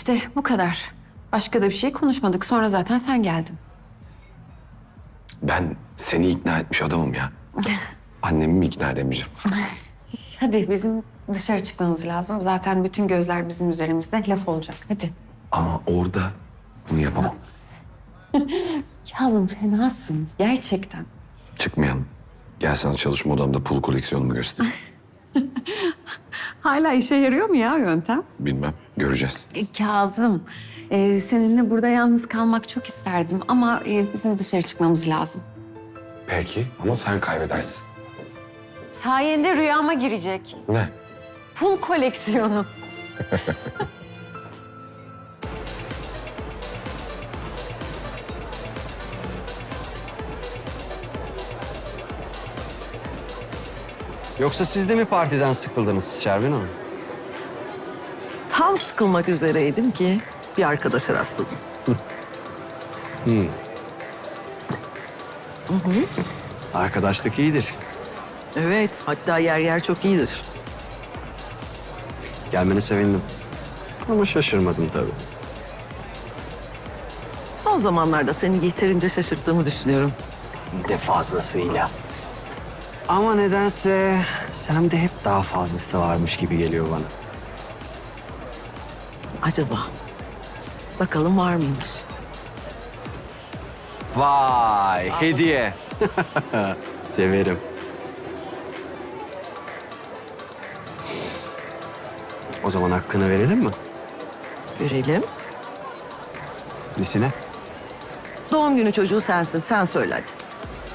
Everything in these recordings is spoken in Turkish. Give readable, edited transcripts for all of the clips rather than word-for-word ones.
İşte bu kadar. Başka da bir şey konuşmadık. Sonra zaten sen geldin. Ben seni ikna etmiş adamım ya. Annemi mi ikna edemeyeceğim? Hadi bizim dışarı çıkmamız lazım. Zaten bütün gözler bizim üzerimizde. Laf olacak. Hadi. Ama orada bunu yapamam. Kazım fenasın. Gerçekten. Çıkmayalım. Gel sana çalışma odamda pul koleksiyonumu göstereyim. Hala işe yarıyor mu ya yöntem? Bilmem, göreceğiz. Kazım, seninle burada yalnız kalmak çok isterdim ama bizim dışarı çıkmamız lazım. Peki ama sen kaybedersin. Sayende rüyama girecek. Ne? Pul koleksiyonu. Yoksa siz de mi partiden sıkıldınız Şermin Hanım? Tam sıkılmak üzereydim ki bir arkadaşa rastladım. Arkadaşlık iyidir. Evet, hatta yer yer çok iyidir. Gelmene sevindim. Ama şaşırmadım tabii. Son zamanlarda seni yeterince şaşırttığımı düşünüyorum. Bir de fazlasıyla. Ama nedense sende hep daha fazlası varmış gibi geliyor bana. Acaba? Bakalım var mıymış? Vay, hediye. Severim. O zaman hakkını verelim mi? Görelim. Nesine? Doğum günü çocuğu sensin, sen söyle hadi.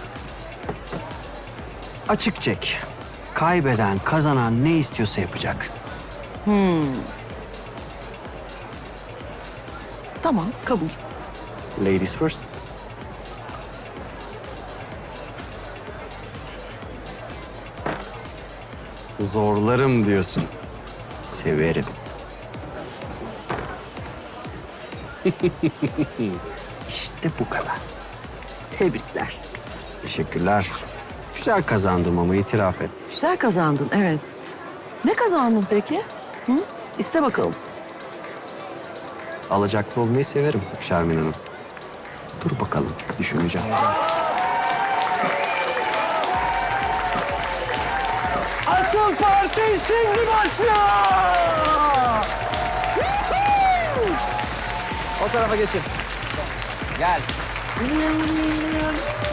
Açık çek. Kaybeden, kazanan ne istiyorsa yapacak. Tamam, kabul. Ladies first. Zorlarım diyorsun. Severim. İşte bu kadar. Tebrikler. Teşekkürler. Güzel kazandım ama itiraf et. Güzel kazandın, evet. Ne kazandın peki? Hı? İste bakalım. Alacaklı olmayı severim Şermin Hanım. Dur bakalım, düşüneceğim. Asıl parti şimdi başlıyor! O tarafa geçin. Gel.